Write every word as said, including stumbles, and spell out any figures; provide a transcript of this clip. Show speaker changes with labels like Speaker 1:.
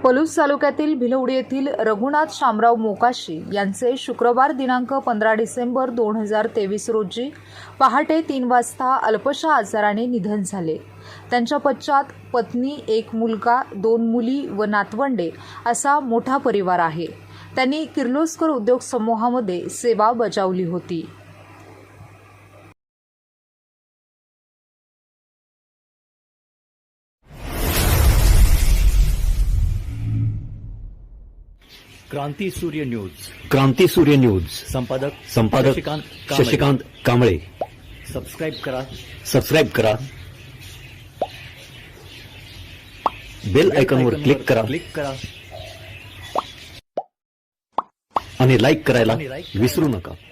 Speaker 1: पलूस तालुक्यातील भिलवडी येथील रघुनाथ शामराव मोकाशी यांचे शुक्रवार दिनांक पंधरा डिसेंबर दोन हजार तेवीस रोजी पहाटे तीन वाजता अल्पशा आजाराने निधन झाले। त्यांच्या पश्चात पत्नी, एक मुलगा, दोन मुली व नातवंडे असा मोठा परिवार आहे। त्यांनी किर्लोस्कर उद्योग समूहामध्ये सेवा बजावली होती।
Speaker 2: क्रांती सूर्य न्यूज
Speaker 3: क्रांती सूर्य न्यूज
Speaker 2: संपादक
Speaker 3: संपादक
Speaker 2: शशिकांत कांबळे।
Speaker 3: शशिकांत कांबळे।
Speaker 2: सबस्क्राईब करा
Speaker 3: सबस्क्राईब करा, बेल आयकॉनवर क्लिक करा
Speaker 2: क्लिक करा
Speaker 3: आणि लाईक करायला
Speaker 2: आणि like
Speaker 3: विसरू नका।